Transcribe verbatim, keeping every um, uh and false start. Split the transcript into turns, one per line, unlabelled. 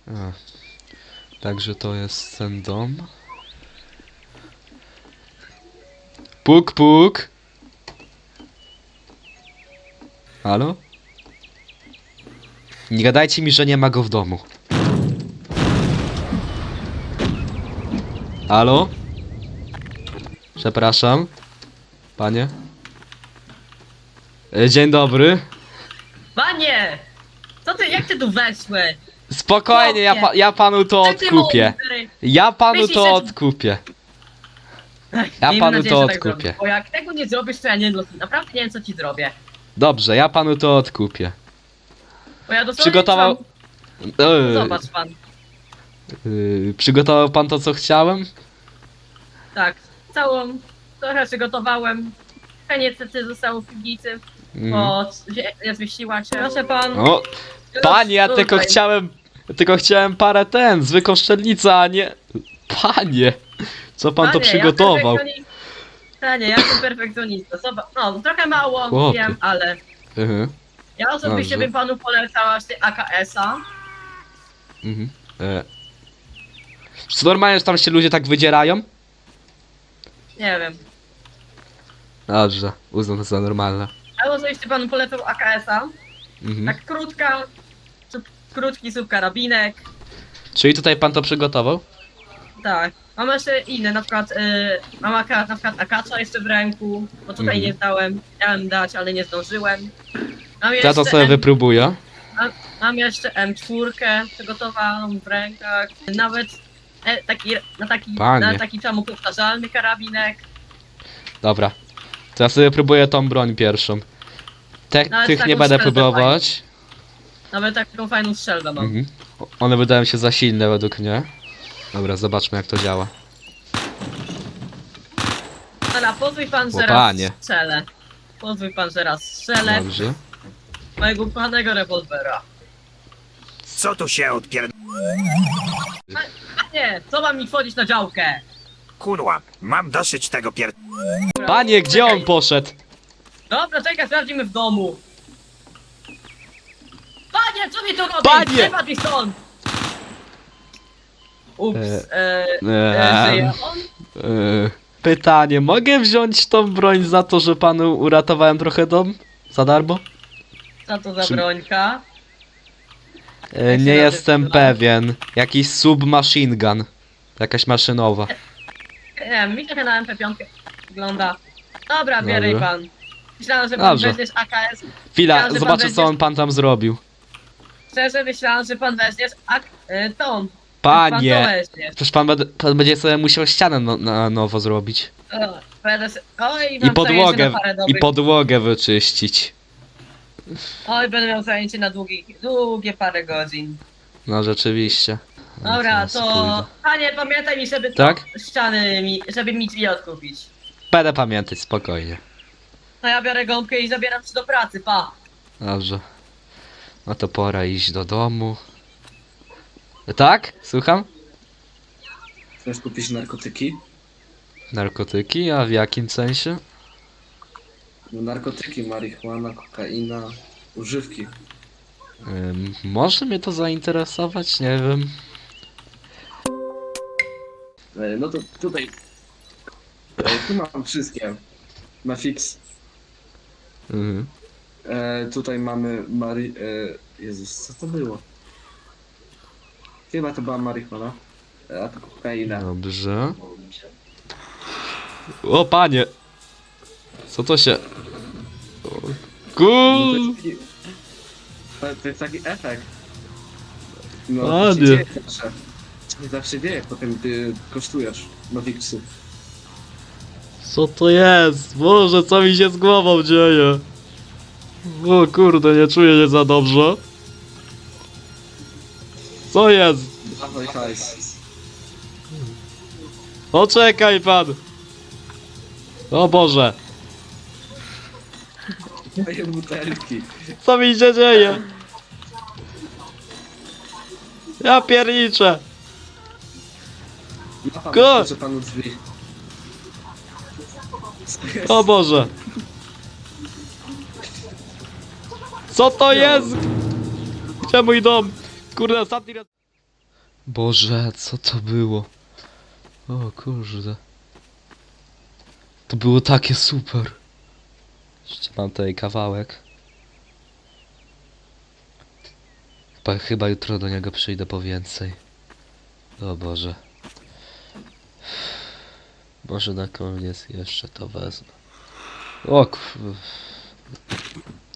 A. Także to jest ten dom. Puk, puk. Halo? Nie gadajcie mi, że nie ma go w domu. Halo? Przepraszam. Panie? E, Dzień dobry.
Panie! Co ty, jak ty tu weszłeś?
Spokojnie, ja, pa ja panu to
Jak ty
odkupię.
mądry?
Ja panu
Myślisz,
to
że-
odkupię.
Ech,
Ja
miejmy
panu
nadzieję,
to
że tak
odkupię.
zrobisz, bo jak tego nie zrobisz, to ja nie naprawdę nie wiem, co ci zrobię.
Dobrze, ja panu to odkupię.
Bo ja dosłownie
Przygotował...
Mam...
Eee,
Zobacz pan.
yy, przygotował pan to, co chciałem?
Tak, całą... Trochę przygotowałem. Trochę niestety zostało w piwnicy,
Mhm.
bo ja zmieściła się. Proszę pan.
O, panie, ja
Tutaj.
tylko chciałem... Tylko chciałem parę ten, zwykłą szczelnicę, a nie... Panie! Co pan to
Panie,
przygotował?
Ja perfekcjonista. Panie, ja jestem perfekcjonista. Zobacz, no, trochę mało,
Chłopie.
wiem, ale...
Mhm.
Ja osobiście
Dobrze.
bym panu polecała A K S-a.
Mhm. E. Czy normalnie, że tam się ludzie tak wydzierają?
Nie wiem.
Dobrze, uznam to za normalne.
Ja osobiście panu polecał A K S-a.
Mhm.
Tak krótka, sub, krótki subkarabinek.
Czyli tutaj pan to przygotował?
Tak. Mam jeszcze inne, na przykład y, mam akurat na przykład akacza jeszcze w ręku, bo tutaj
Mhm.
nie zdałem, miałem dać, ale nie zdążyłem. Mam
Ja to
jeszcze,
sobie
M,
wypróbuję.
mam, mam jeszcze M cztery przygotowaną w rękach. Nawet e, taki, na taki,
Panie.
na taki samopowtarzalny karabinek.
Dobra. To ja sobie próbuję tą broń pierwszą. Te,
Nawet
tych
taką
nie będę
strzelbę
próbować.
Nawet taką fajną strzelbę mam.
Mhm. O- One wydają się za silne według mnie. Dobra, zobaczmy jak to działa.
Dobra, pozwól pan, że
O,
raz
panie.
strzelę. Pozwól pan, że raz strzelę
Dobrze.
mojego ukochanego rewolwera.
Co tu się odpier...
Nie, co mam mi wchodzić na działkę?
Kurwa, mam dosyć tego pier...
Panie, gdzie
Czekaj.
on poszedł?
Dobra, czekaj, sprawdzimy w domu. Panie, co mi tu robisz?
Panie!
Wypadł mi stąd! Ups,
E,
e, e,
Eee,
żyje on?
e, pytanie, mogę wziąć tą broń za to, że panu uratowałem trochę dom? Za darmo?
Co to za
Czy-
brońka?
E,
Jak się
nie
nazywa?
jestem pewien. Jakiś submachine gun. Jakaś maszynowa.
Nie wiem, mi trochę na M P pięć wygląda. Dobra, bieraj
Dobra.
pan. Myślałem, że pan
Dobrze.
weźmiesz A K S.
Chwila,
Myślałem, że pan
zobaczę co
będziesz-
on pan tam zrobił.
Szczerze myślałem, że pan weźmiesz ak... Y, tą. Pan to
Panie!
weźmiesz.
Przecież pan, bed- pan będzie sobie musiał ścianę no, na nowo zrobić.
O, będę se... Oj,
I
mam zajęcie
podłogę,
na parę
i
dobrych...
podłogę wyczyścić.
Oj, będę miał zajęcie na długich, długie parę godzin.
No rzeczywiście. No,
Dobra,
teraz
to...
pójdę.
Panie, pamiętaj mi, żeby to...
Tak?
ściany mi... żeby mi drzwi odkupić.
Będę pamiętać, spokojnie.
No ja biorę gąbkę i zabieram się do pracy, pa!
Dobrze. No to pora iść do domu. Tak? Słucham?
Chcesz kupić narkotyki?
Narkotyki? A w jakim sensie?
No narkotyki, marihuana, kokaina, używki.
Ym, może mnie to zainteresować? Nie wiem.
E, No to tutaj. E, Tu mam wszystkie. Na fix.
Mhm.
E, tutaj mamy Mari... E, Jezus, co to było? Chyba to była marihuana. E, a to kokaina.
Dobrze. O panie! Co to się... O,
No to,
Kul...
jest taki, to, to jest taki efekt. No,
Ładnie.
to się dzieje zawsze. To się zawsze dzieje, potem ty kosztujesz na fixy.
Co to jest? Boże, co mi się z głową dzieje? O kurde, nie czuję się za dobrze. Co jest?
Dawaj hajs.
Poczekaj pan! O Boże,
Moje butelki.
co mi się dzieje? Ja pierniczę!
Ja pan
Go!
otworzę panu drzwi. Co jest?
O Boże! Co to jest? Gdzie mój dom? Kurde, ostatni raz... Boże, co to było? O kurde. To było takie super. Jeszcze mam tutaj kawałek. Chyba, chyba jutro do niego przyjdę po więcej. O Boże. Może na koniec jeszcze to wezmę. O kur...